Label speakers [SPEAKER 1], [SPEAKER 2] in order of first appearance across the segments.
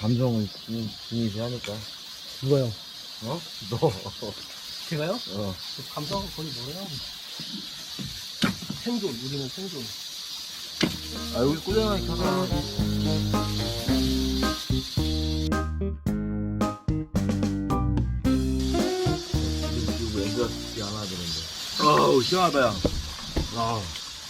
[SPEAKER 1] 감성은 중요시 하니까.
[SPEAKER 2] 누가요?
[SPEAKER 1] 어? 너.
[SPEAKER 2] 제가요?
[SPEAKER 1] 어.
[SPEAKER 2] 그 감성은 거의 뭐래요? 생존, 우리는 생존.
[SPEAKER 1] 아, 여기 꾸준하게 켜서. 이거 연결이 안 하더는데. 아우, 시원하다, 야. 아.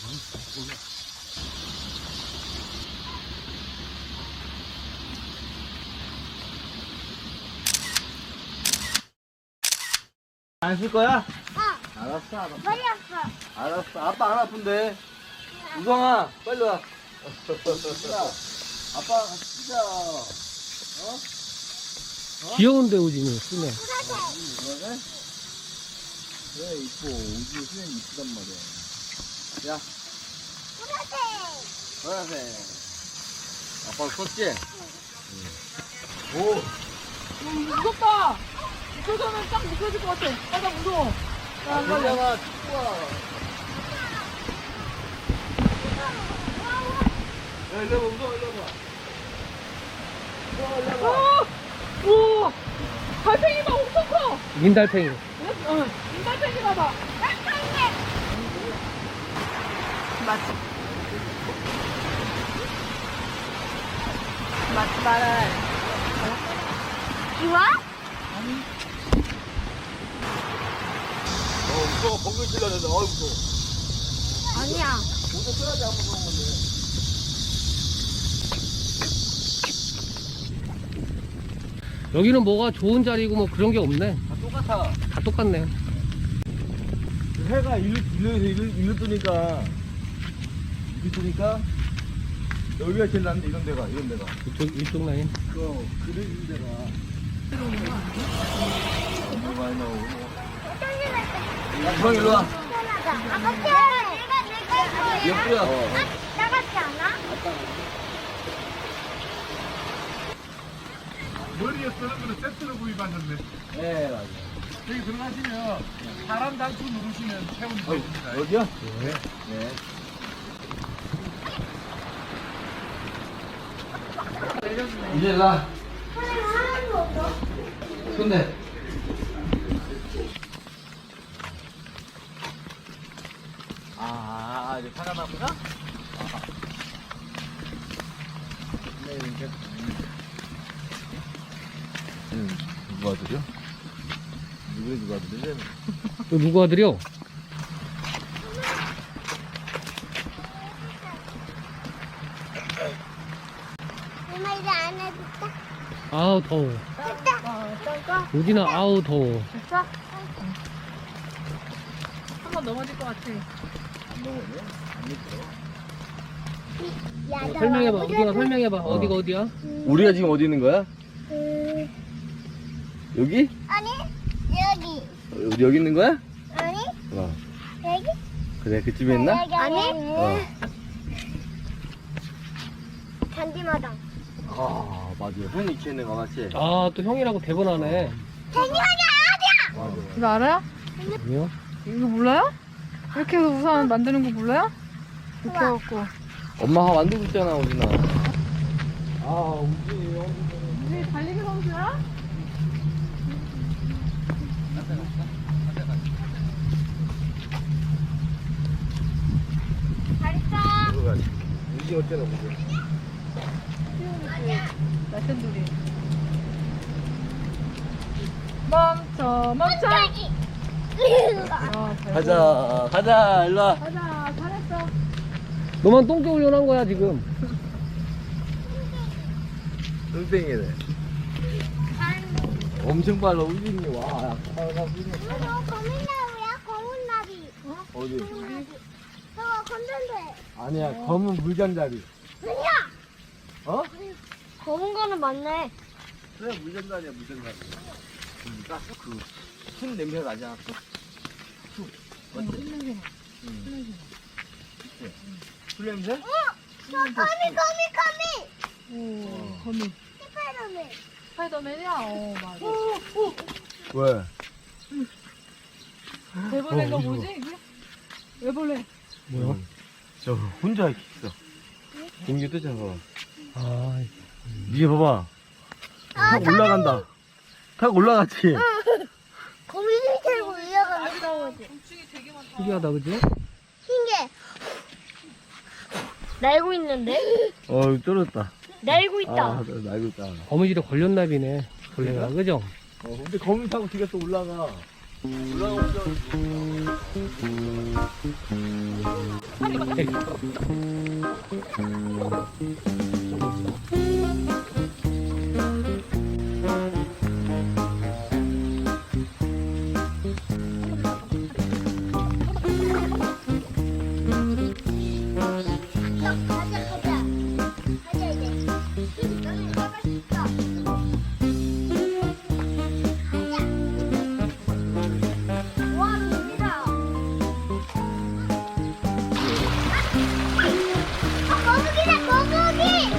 [SPEAKER 1] 안 쓸 거야? 알았어, 알았어.
[SPEAKER 3] 머리 아파.
[SPEAKER 1] 알았어. 아빠 안 아픈데. 우성아, 빨리 와. 아빠 쓰자.
[SPEAKER 2] 귀여운데, 우진이, 쓰네.
[SPEAKER 1] 그러네? 그래, 이뻐. 우주 수면 이쁘단 말이야. 야,
[SPEAKER 3] 보라색.
[SPEAKER 1] 보라색. 아빠 컸지? 오.
[SPEAKER 4] 무섭다. 무서우면 딱 미끄러질 것 같아. 아, 나 무서워. 나안 갈래.
[SPEAKER 1] 괜찮아, 축구야. 야, 일로 와봐, 우성아, 일로 와봐.
[SPEAKER 4] 오! 달팽이 봐, 엄청 커.
[SPEAKER 2] 민달팽이.
[SPEAKER 4] 응, 달팽이 봐봐. 맞지? 맞지 말아요.
[SPEAKER 3] 좋아?
[SPEAKER 1] 우성아, 번개 찔러는데, 어이, 무서워.
[SPEAKER 3] 아니야.
[SPEAKER 1] 모자 써야지, 안 무서운 건데.
[SPEAKER 2] 여기는 뭐가 좋은 자리고 뭐 그런 게 없네.
[SPEAKER 1] 다 똑같아.
[SPEAKER 2] 다 똑같네.
[SPEAKER 1] 해가 일로 뜨니까, 여기가 제일 낫는데, 이런 데가.
[SPEAKER 2] 이쪽 라인.
[SPEAKER 1] 그래진 데가. 너무 많이 나오고. 형, 일로 와.
[SPEAKER 3] 아빠 내가
[SPEAKER 1] 옆구리야.
[SPEAKER 3] 나같지 않아?
[SPEAKER 5] 머리에 쓰는 거는 세트로 구입하셨네.
[SPEAKER 1] 네, 맞아요.
[SPEAKER 5] 여기 들어가시면 사람 단추 누르시면 체온이 됩니다.
[SPEAKER 1] 여기요? 네. 이제 일로 와.
[SPEAKER 3] 하나도 없어.
[SPEAKER 1] 손대. 이제 차가 나구나? 네, 이제. 누가 드려? 누가 드려?
[SPEAKER 2] 또 누가 드려?
[SPEAKER 3] 엄마 이제 안 해줄까?
[SPEAKER 2] 아우, 더워.
[SPEAKER 4] 짤까?
[SPEAKER 2] 우진아, 아우, 더워.
[SPEAKER 4] 진짜? 한번 넘어질 것 같아.
[SPEAKER 1] 안 먹어요? 안 먹어.
[SPEAKER 3] 야,
[SPEAKER 2] 설명해봐. 우진아, 설명해봐. 어디가 어디야?
[SPEAKER 1] 우리가 지금 어디 있는 거야? 여기?
[SPEAKER 3] 아니 여기.
[SPEAKER 1] 우리 여기 있는 거야?
[SPEAKER 3] 아니
[SPEAKER 1] 어.
[SPEAKER 3] 여기.
[SPEAKER 1] 그래, 그 집에 있나?
[SPEAKER 3] 아니. 잔디마당.
[SPEAKER 1] 맞아. 형이 키우는 거 맞지?
[SPEAKER 2] 아, 또 형이라고 대본하네.
[SPEAKER 3] 잔디마당 어디야?
[SPEAKER 1] 맞아.
[SPEAKER 4] 이거 알아요?
[SPEAKER 2] 아니요?
[SPEAKER 4] 이거 몰라요? 이렇게 해서 우산 만드는 거 몰라요? 이렇게 해갖고.
[SPEAKER 1] 엄마가 만들고 있잖아, 우진아. 우진이 형.
[SPEAKER 4] 우리 달리기 선수야?
[SPEAKER 3] 잘했어.
[SPEAKER 1] 우진이 어쩌나 보자.
[SPEAKER 4] 날쌘돌이. 멈춰, 멈춰.
[SPEAKER 3] 깜짝이.
[SPEAKER 1] 가자, 일로 와.
[SPEAKER 4] 가자, 잘했어.
[SPEAKER 2] 너만 똥개 훈련한 거야, 지금.
[SPEAKER 1] 뚱땡이네. 엄청 빨라, 우진이. 와,
[SPEAKER 3] 이거 거민나무야? 거문나비.
[SPEAKER 1] 어디?
[SPEAKER 3] 저거 건전대.
[SPEAKER 1] 아니야, 검은 물잠자리.
[SPEAKER 3] 아니야.
[SPEAKER 1] 어?
[SPEAKER 3] 검은 거는 맞네.
[SPEAKER 1] 그래, 물잠자리야, 물잠자리. 가스 순 냄새가 나지 않았어? 쑥. 맞지? 그치? 술 냄새?
[SPEAKER 3] 저 거미.
[SPEAKER 4] 오, 거미.
[SPEAKER 3] 스파이더맨.
[SPEAKER 4] 스파이더맨이야? 어, 맞아.
[SPEAKER 1] 왜?
[SPEAKER 4] 대본인가 뭐지, 이게? 왜 볼래?
[SPEAKER 2] 뭐야?
[SPEAKER 1] 저 혼자 있어. 공기 뜨잖아.
[SPEAKER 2] 아,
[SPEAKER 1] 이게 봐봐. 탁 올라간다. 탁 올라갔지?
[SPEAKER 3] 거미 밑으로 올라간다.
[SPEAKER 4] 곤충이 되게 많다.
[SPEAKER 2] 신기하다, 그지?
[SPEAKER 3] 신기해. 날고 있는데?
[SPEAKER 1] 쫄았다.
[SPEAKER 3] 날고 있다.
[SPEAKER 1] 날고 있다.
[SPEAKER 2] 거미줄에 걸렸나 비네. 벌레가, 그죠?
[SPEAKER 1] 근데 거미 타고 뒤가 또 올라가. 올라오면
[SPEAKER 3] 가자 이제. 너는 가고 싶어. 와, 민지다. 거북이다, 거북이.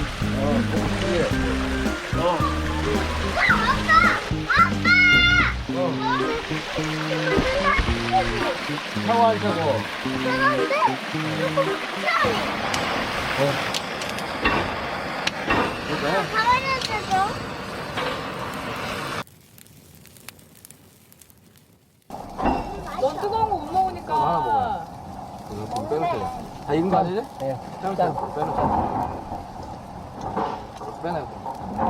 [SPEAKER 1] 샤워 안 샤워.
[SPEAKER 3] 대박인데? 가만히
[SPEAKER 4] 넌 뜨거운 거 못 먹으니까.
[SPEAKER 1] 좀 빼놓자. 다 익은 거 아니지? 네. 빼놓자. 빼놔요.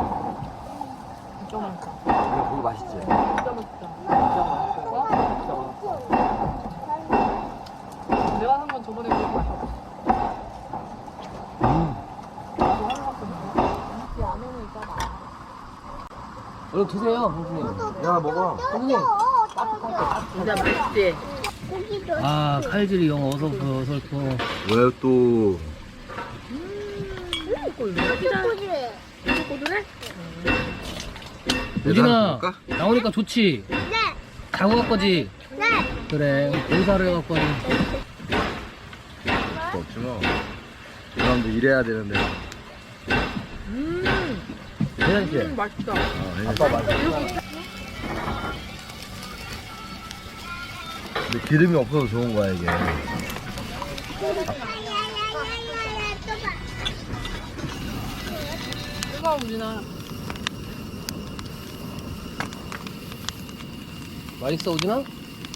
[SPEAKER 4] 진짜 맛있다.
[SPEAKER 1] 이거 고기 맛있지?
[SPEAKER 4] 진짜 맛있다. 진짜 맛있어? 내가 산 건 저번에 그거 맛있었어. 나도 하나 샀거든. 이 안에는 있잖아.
[SPEAKER 2] 얼른 드세요, 형수님.
[SPEAKER 1] 야, 먹어.
[SPEAKER 2] 형수님.
[SPEAKER 4] 진짜 맛있지?
[SPEAKER 3] 고기도
[SPEAKER 2] 아, 칼질이 영 어설퍼.
[SPEAKER 1] 왜 또?
[SPEAKER 3] 고기래.
[SPEAKER 2] 우진아, 나오니까 좋지?
[SPEAKER 3] 네,
[SPEAKER 2] 자고 갈 거지?
[SPEAKER 3] 네.
[SPEAKER 2] 그래, 봉사를 해갖고 하니.
[SPEAKER 1] 없지 뭐. 이 사람도 일해야 되는데. 괜찮지?
[SPEAKER 4] 맛있다.
[SPEAKER 1] 아빠 맛있어. 근데 기름이 없어서 좋은 거야, 이게.
[SPEAKER 3] 야야야야야, 또 봐.
[SPEAKER 4] 뜨거워, 우진아.
[SPEAKER 2] 맛있어, 우진아?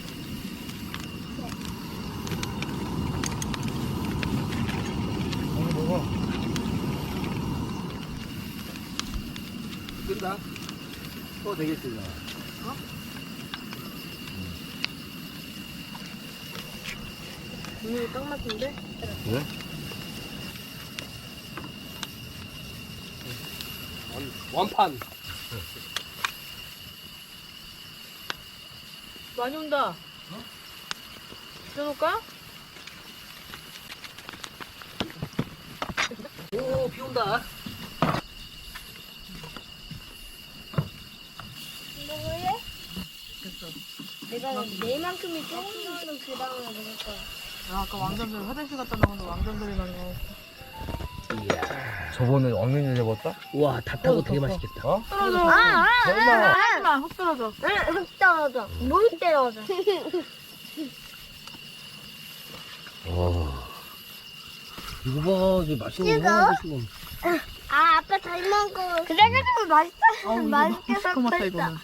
[SPEAKER 1] 먹어.
[SPEAKER 2] 끈다. 또 되겠지, 나.
[SPEAKER 4] 분위기 딱 맞는데?
[SPEAKER 1] 그래?
[SPEAKER 2] 원판.
[SPEAKER 4] 많이 온다. 들어놓을까?
[SPEAKER 2] 오, 비 온다.
[SPEAKER 3] 먹을래? 내가 내만큼이 조금은 그 다음에 먹을 거야.
[SPEAKER 4] 아, 아까 왕자들 화장실 갔다 나오는데 왕자들이 많이 먹었어.
[SPEAKER 1] 저번에 왕면이 잡았다?
[SPEAKER 2] 우와, 다 타고 되게 맛있겠다.
[SPEAKER 1] 어?
[SPEAKER 4] 떨어져.
[SPEAKER 1] 설마.
[SPEAKER 4] 하지마, 훅 떨어져.
[SPEAKER 3] 흙 떨어져. 물 떨어져.
[SPEAKER 2] 이거 봐, 이제 맛있는 거
[SPEAKER 3] 이거?
[SPEAKER 2] 하나 드시고.
[SPEAKER 3] 아, 아빠 잘 먹어. 그래가지고 맛있다. 맛있게
[SPEAKER 4] 시커멓다,
[SPEAKER 3] 섞었어.
[SPEAKER 4] 이거는.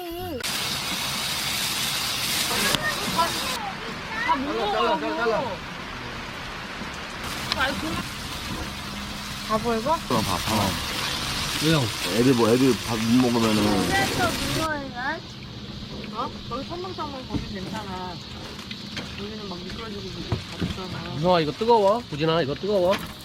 [SPEAKER 4] 바보 이거?
[SPEAKER 1] 그럼 밥 하나.
[SPEAKER 2] 왜요?
[SPEAKER 1] 애들 밥 못 먹으면은.
[SPEAKER 3] 그래서 무서워요.
[SPEAKER 4] 어? 거기 선망상만 거기 괜찮아. 여기는 막 미끄러지고 다 있잖아.
[SPEAKER 2] 우성아, 이거 뜨거워? 우진아, 이거 뜨거워?